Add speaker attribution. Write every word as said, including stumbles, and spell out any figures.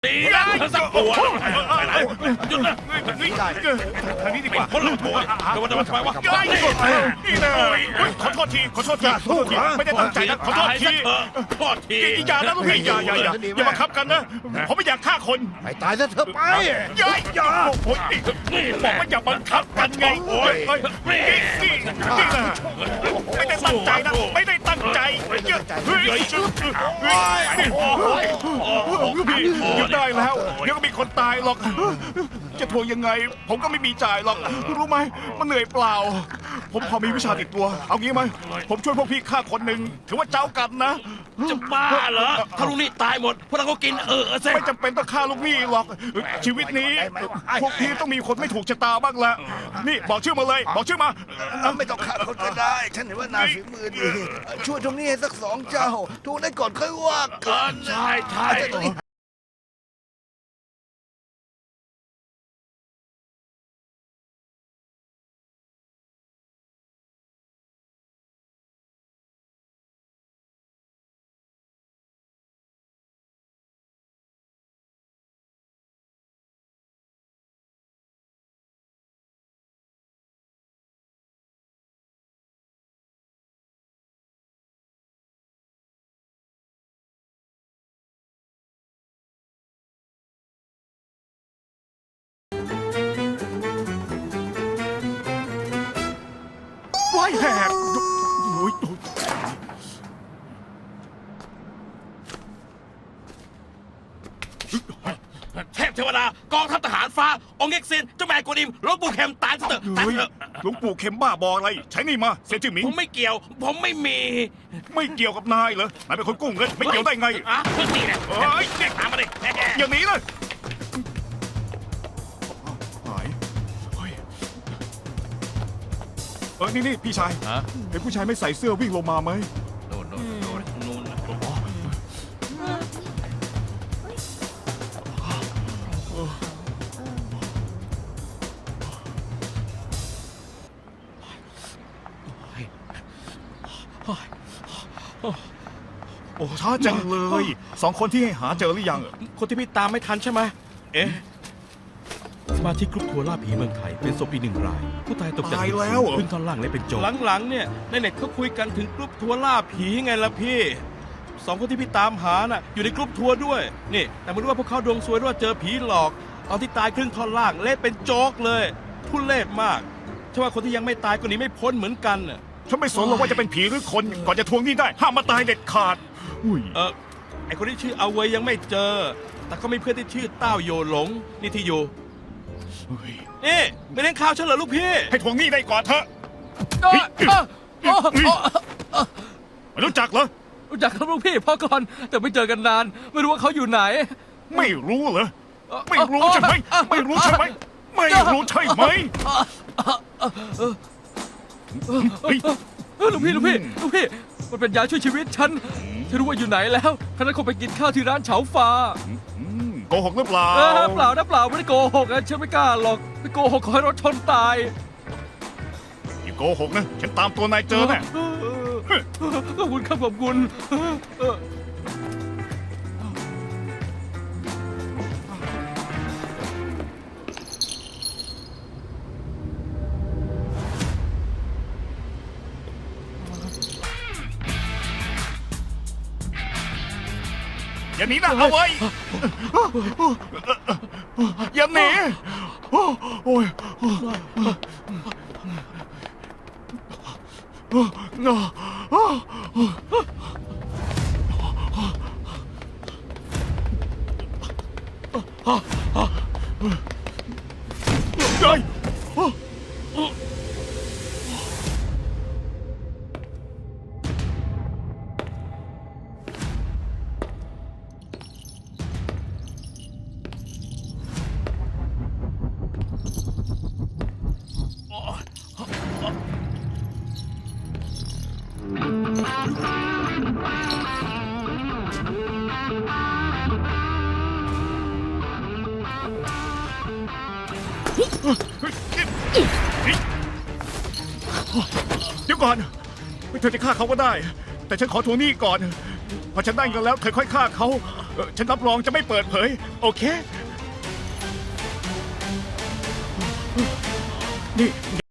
Speaker 1: ดีนะสักตัวไปไหนหยุดนะ
Speaker 2: ทางนี้ดีกว่า
Speaker 1: คนละตัวแต่ว่าจะมาทำไมวะ
Speaker 2: นี่นะขอโทษทีขอโทษทีขอโทษทีไม่ได้ตั้งใจนะขอโทษที
Speaker 1: โทษที
Speaker 2: อย่านะลูกพี่อย่าอย่าอย่าอย่าบังคับกันนะผมไม่อยากฆ่าคน
Speaker 3: ไปตายซะเถอะไป
Speaker 2: อย่าอย่าโอ้ยบอกว่าอย่าบังคับกันไงโอ้ยนี่นี่นี่นะไม่ได้ตั้งใจนะไม่ได้ตั้งใจเฮ้ยเฮ้ยพี่หยุดได้แล้วเดี๋ยวก็มีคนตายหรอกจะทวงยังไงผมก็ไม่มีจ่ายหรอกรู้ไหมมันเหนื่อยเปล่าผมพอมีวิชาติดตัวเอางี้ไหมผมช่วยพวกพี่ฆ่าคนหนึ่งถือว่าเจ้ากันนะ
Speaker 1: จะบ้าเหรอถ้าลุงนี่ตายหมดพวกเราก็กินเออเซ่
Speaker 2: ไม่จำเป็นต้องฆ่าลูกหนี้หรอกชีวิตนี้พวกพี่ต้องมีคนไม่ถูกชะตาบ้างแหละนี่บอกชื่อมาเลยบอกชื่อมา
Speaker 3: ไม่ต้องฆ่าคนก็ได้ฉันเห็นว่านายฝีมือดีช่วยตรงนี้ให้สักสองเจ้าทูได้ก่อนค่อยว่ากัน
Speaker 1: ใช่ใช่
Speaker 2: ไว้แหกโอ้ย
Speaker 1: เทพเทวดากองทัพทหารฟ้าองค์เอ็กซินเจ้าแม่กวนอิมหลวงปู่เข็มตายซะเถอะตายเถอะ
Speaker 2: หลวงปู่เข็มบ้าบออะไรใช้นี่มาเสียจื่อหมิง
Speaker 1: ผมไม่เกี่ยว ผมไม่มี
Speaker 2: ไม่เกี่ยวกับนายเหรอนายเป็นคนกู้เงินไม่เกี่ยวได้ไง
Speaker 1: อ่ะเพิ่งนี่แหละ
Speaker 2: เฮ้ย
Speaker 1: ตามมาดิ
Speaker 2: อย่าหนีเลยหายเฮ้ยเออนี่นี่พี่ชาย
Speaker 1: ฮะ
Speaker 2: เห็นผู้ชายไม่ใส่เสื้อวิ่งลงมาไหม
Speaker 1: โน่นโน่นโน่นโน่น
Speaker 2: โอ้ช้าจังเลยสองคนที่ให้หาเจอหรือยัง
Speaker 4: คนที่พี่ตามไม่ทันใช่ไหมเอ๊ะสมาชิกกรุ๊ปทัวร์ล่าผีเมืองไทยเป็นศพอีกหนึ่งราย ผู้ตายตกจาก
Speaker 2: ตาย
Speaker 4: ตึก
Speaker 2: แล้ว
Speaker 4: สูง
Speaker 2: เหรอ
Speaker 4: ขึ้นท่อนล่างและเป็นโจรหลังๆเนี่ยในเน็ตเขาคุยกันถึงกรุ๊ปทัวร์ล่าผีไงล่ะพี่สองคนที่พี่ตามหาน่ะอยู่ในกรุ๊ปทัวร์ด้วยนี่แต่ไม่รู้ว่าพวกเขาดวงซวยหรือว่าเจอผีหลอกตอนที่ตายครึ่งท่อนล่างเละเป็นโจ๊กเลยทุเรศมากใช่ว่าคนที่ยังไม่ตายก็หนีไม่พ้นเหมือนกันน่ะ
Speaker 2: ฉันไม่สนหรอกว่าจะเป็นผีหรือคนก่อนจะทวงหนี้ได้ห้ามมาตายเด็ดขาดอุ้ย
Speaker 4: เออไอคนที่ชื่อเอาเวยยังไม่เจอ แต่ก็มีเพื่อนที่ชื่อเต้าโยหลงนี่ที่อยู่
Speaker 2: เฮ้ย
Speaker 4: นี่ไม่เล่นข่าวฉันเหรอลูกพี่
Speaker 2: ให้ทวงหนี้ได้ก่อนเถอะ
Speaker 5: เอ้ยเอ้ยเอ้ยเอ้ย
Speaker 2: ไม่รู้จักเหรอ
Speaker 5: รู้จักครับลูกพี่พ่อก่อนแต่ไม่เจอกันนาน ไม่รู้ว่าเขาอยู่ไหน
Speaker 2: ไม่รู้เหรอไม่รู้ใช่ไหมไม่รู้ใช่ไหมไม่รู้ใช่ไหมเฮ้ย
Speaker 5: เออลูกพี่ลูกพี่ลูกพี่มันเป็นยาช่วยชีวิตฉันฉันรู้ว่าอยู่ไหนแล้วคณะคงไปกินข้าวที่ร้านเฉาฟ้า
Speaker 2: อืมโกหกหรือเปล่า
Speaker 5: เออเปล่านะเปล่าไม่ได้โกหกนะฉันไม่กล้าหรอกไม่โกหกขอให้รถชนตาย
Speaker 2: อย่าโกหกนะฉันตามตัวนายเจอแน่
Speaker 5: เออเออขอบคุณครับขอบคุณเออเออ
Speaker 2: อย่าหนีนะเอาไว้อย่าหนีโอ้โอ้ยเฮ้ยเดี๋ยวก่อนเธอจะฆ่าเขาก็ได้ แต่ฉันขอทวงหนี้ก่อนพอฉันได้เงินแล้วเธอค่อยฆ่าเขาเอ่อฉันรับรองจะไม่เปิดเผย โอเค นี่